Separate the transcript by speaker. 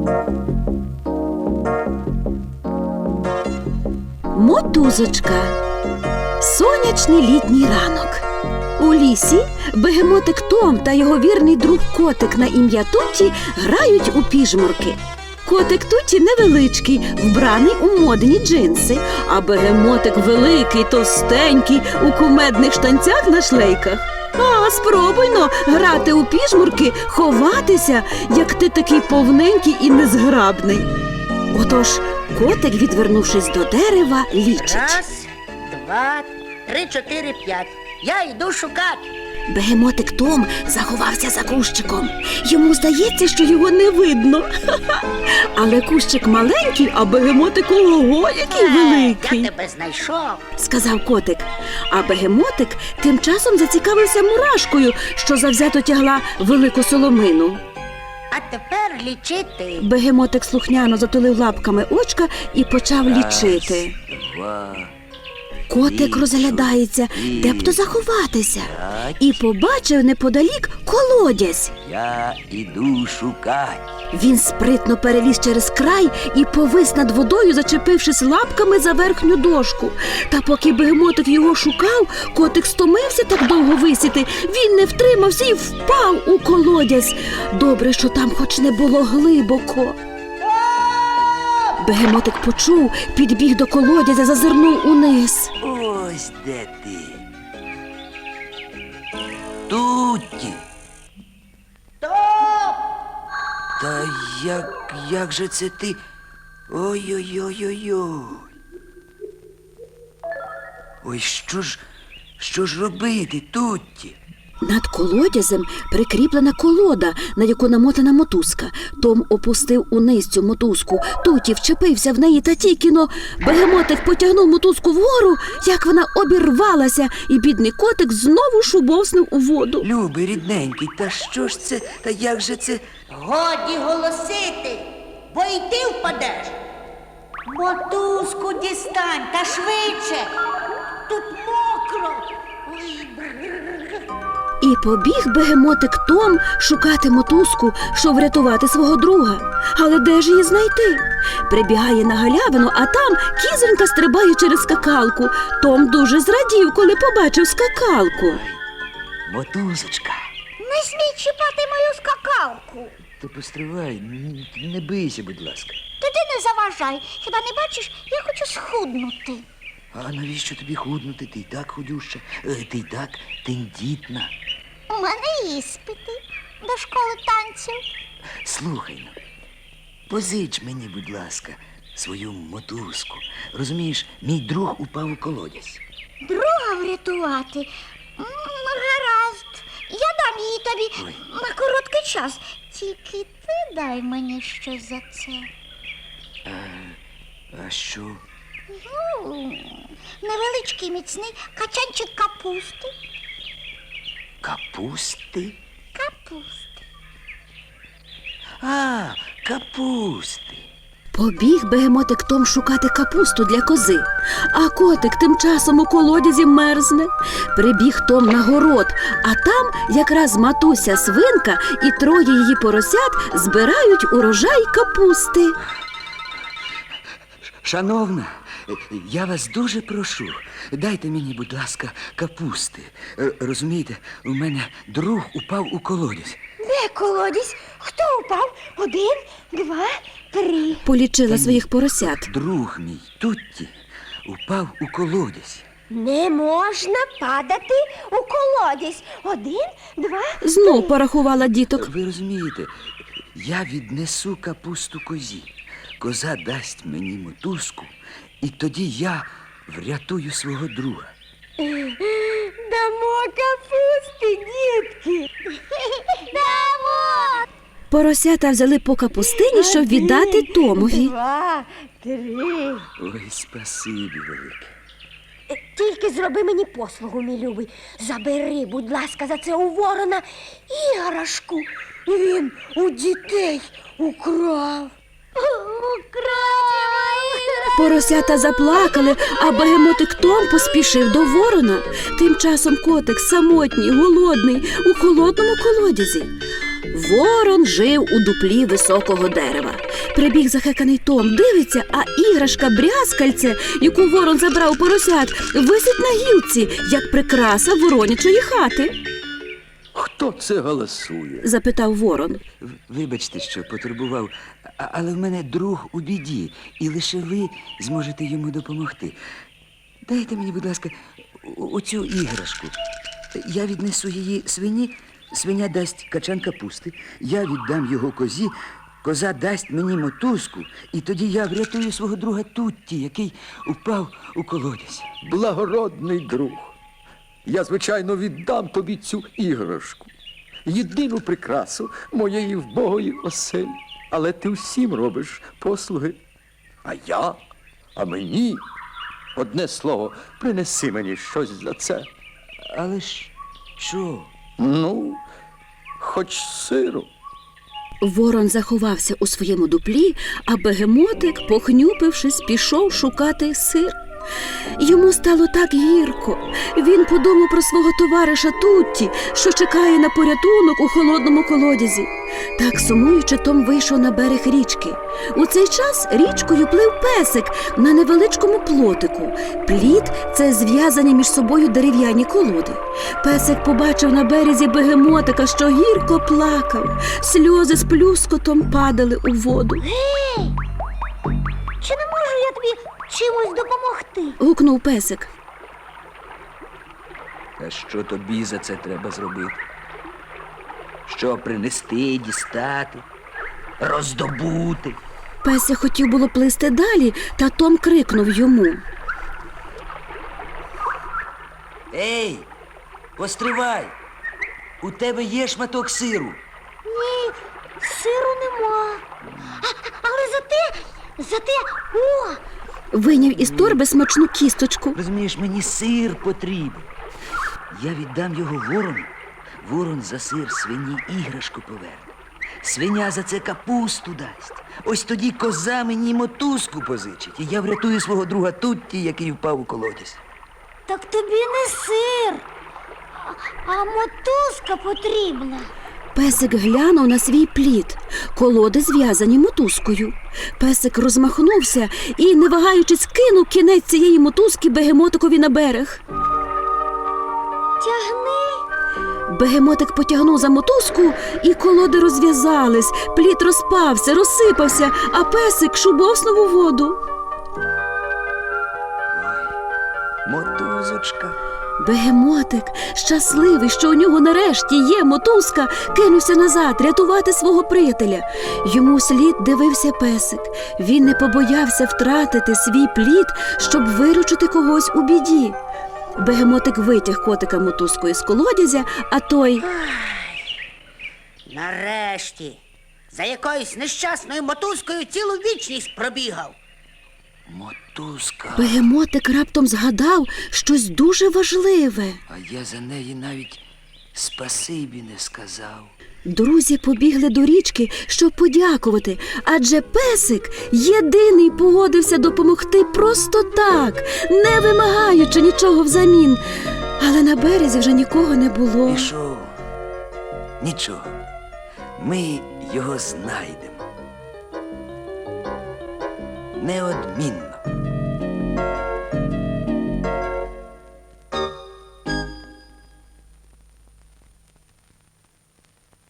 Speaker 1: Мотузочка. Сонячний літній ранок. У лісі бегемотик Том та його вірний друг котик на ім'я Тутті грають у піжмурки. Котик Тутті невеличкий, вбраний у модні джинси, а бегемотик великий, товстенький, у кумедних штанцях на шлейках. А спробуйно грати у піжмурки, ховатися, як ти такий повненький і незграбний. Отож, котик, відвернувшись до дерева, лічить.
Speaker 2: 1, 2, 3, 4, 5. Я йду шукати.
Speaker 1: Бегемотик Том заховався за кущиком. Йому здається, що його не видно. Але кущик маленький, а бегемотик ого, який великий.
Speaker 2: Я тебе знайшов.
Speaker 1: Сказав котик. А бегемотик тим часом зацікавився мурашкою, що завзято тягла велику соломину.
Speaker 2: А тепер лічити.
Speaker 1: Бегемотик слухняно затулив лапками очка і почав лічити.
Speaker 3: 2.
Speaker 1: Котик розглядається, де б то заховатися, і побачив неподалік колодязь.
Speaker 3: Я іду шукати.
Speaker 1: Він спритно переліз через край і повис над водою, зачепившись лапками за верхню дошку. Та поки бегемотик його шукав, котик стомився так довго висіти. Він не втримався і впав у колодязь. Добре, що там хоч не було глибоко. Бегемотик почув, підбіг до колодязя, зазирнув униз.
Speaker 3: Ось де ти. Тутті. Та як же це ти? Ой-ой-ой-ой-ой. Ой, що ж робити, Тутті?
Speaker 1: Над колодязем прикріплена колода, на яку намотана мотузка. Том опустив униз цю мотузку. Тутті вчепився в неї, та тільки-но бегемотик потягнув мотузку вгору, як вона обірвалася, і бідний котик знову шубовснув у воду.
Speaker 3: Любий, рідненький, та що ж це, та як же це?
Speaker 2: Годі голосити, бо й ти впадеш. Мотузку дістань, та швидше. Тут мокро. Ой,
Speaker 1: І побіг бегемотик Том шукати мотузку, щоб врятувати свого друга. Але де ж її знайти? Прибігає на галявину, а там кізонька стрибає через скакалку. Том дуже зрадів, коли побачив скакалку.
Speaker 3: Мотузочка.
Speaker 2: не смій чіпати мою скакалку.
Speaker 3: Ти постривай, не бийся, будь ласка.
Speaker 2: Та ти не заважай. Хіба не бачиш, я хочу схуднути.
Speaker 3: А навіщо тобі худнути? Ти й так худюща, ти й так тендітна.
Speaker 2: У мене іспити до школи танців.
Speaker 3: Слухай, ну, позич мені, будь ласка, свою мотузку. Розумієш, мій друг упав у колодязь.
Speaker 2: Друга врятувати? Гаразд. Я дам її тобі на короткий час. Тільки ти дай мені щось за це.
Speaker 3: А що?
Speaker 2: Невеличкий міцний качанчик капусти.
Speaker 3: Капусти?
Speaker 2: Капусти.
Speaker 3: А, капусти.
Speaker 1: Побіг бегемотик Том шукати капусту для кози, а котик тим часом у колодязі мерзне. Прибіг Том на город, а там якраз матуся свинка і 3 її поросят збирають урожай капусти.
Speaker 3: Шановна, я вас дуже прошу, дайте мені, будь ласка, капусти. Розумієте, у мене друг упав у колодязь.
Speaker 2: Де колодязь? Хто упав? 1, 2, 3.
Speaker 1: Полічила своїх поросят.
Speaker 3: Друг мій, Тутті, упав у колодязь.
Speaker 2: Не можна падати у колодязь. 1, 2,
Speaker 1: Знов порахувала діток.
Speaker 3: Ви розумієте, я віднесу капусту козі. Коза дасть мені мотузку, і тоді я врятую свого друга.
Speaker 2: Дамо капусти, дітки. Дамо.
Speaker 1: Поросята взяли по капустині, щоб віддати Томові.
Speaker 2: 2, 3.
Speaker 3: Ой, спасибі велике.
Speaker 2: Тільки зроби мені послугу, мій любий. Забери, будь ласка, за це у ворона іграшку. Він у дітей украв.
Speaker 1: Поросята заплакали, а бегемотик Том поспішив до ворона. Тим часом котик самотній, голодний, у холодному колодязі. Ворон жив у дуплі високого дерева. Прибіг захеканий Том, дивиться, а іграшка брязкальце, яку ворон забрав у поросят, висить на гілці, як прикраса воронячої хати.
Speaker 4: Хто це голосує?
Speaker 1: Запитав ворон.
Speaker 3: Вибачте, що потурбував, але в мене друг у біді, і лише ви зможете йому допомогти. Дайте мені, будь ласка, оцю іграшку. Я віднесу її свині, свиня дасть качан капусти, я віддам його козі, коза дасть мені мотузку, і тоді я врятую свого друга Тутті, який упав у колодязь.
Speaker 4: Благородний друг. Я, звичайно, віддам тобі цю іграшку. Єдину прикрасу моєї вбогої оселі. Але ти всім робиш послуги. А мені, одне слово, принеси мені щось за це.
Speaker 3: Але ж що?
Speaker 4: Ну, хоч сиру.
Speaker 1: Ворон заховався у своєму дуплі, а бегемотик, похнюпившись, пішов шукати сир. Йому стало так гірко. Він подумав про свого товариша Тутті, що чекає на порятунок у холодному колодязі. Так сумуючи, Том вийшов на берег річки. У цей час річкою плив песик на невеличкому плотику. Пліт – це зв'язані між собою дерев'яні колоди. Песик побачив на березі бегемотика, що гірко плакав. Сльози з плюскотом падали у воду.
Speaker 2: Гей! Чи не можу я тобі чимось допомогти?
Speaker 1: Гукнув песик.
Speaker 3: А що тобі за це треба зробити? Що принести, дістати, роздобути?
Speaker 1: Песик хотів було плисти далі, та Том крикнув йому.
Speaker 3: Ей, постривай! У тебе є шматок сиру?
Speaker 2: Ні, сиру нема. Але зате, о!
Speaker 1: Вийняв із торби смачну кісточку.
Speaker 3: Розумієш, мені сир потрібен. Я віддам його ворону. Ворон за сир свині іграшку поверне. Свиня за це капусту дасть. Ось тоді коза мені мотузку позичить. І я врятую свого друга Тутті, який впав у колодязь.
Speaker 2: Так тобі не сир, а мотузка потрібна.
Speaker 1: Песик глянув на свій плід. Колоди зв'язані мотузкою. Песик розмахнувся і, не вагаючись, кинув кінець цієї мотузки бегемотикові на берег.
Speaker 2: Тягни.
Speaker 1: Бегемотик потягнув за мотузку, і колоди розв'язались. Плід розпався, розсипався, а песик шубовснув у воду.
Speaker 3: Мотузочка.
Speaker 1: Бегемотик, щасливий, що у нього нарешті є мотузка, кинувся назад рятувати свого приятеля. Йому слід дивився песик. Він не побоявся втратити свій плід, щоб виручити когось у біді. Бегемотик витяг котика мотузкою з колодязя, а той...
Speaker 5: Нарешті, за якоюсь нещасною мотузкою цілу вічність пробігав.
Speaker 3: Мотузка.
Speaker 1: Бегемотик раптом згадав щось дуже важливе.
Speaker 3: А я за неї навіть спасибі не сказав.
Speaker 1: Друзі побігли до річки, щоб подякувати, адже песик єдиний погодився допомогти просто так, не вимагаючи нічого взамін. Але на березі вже нікого не було.
Speaker 3: Пішов. Нічого. Ми його знайдемо. Неодмінно.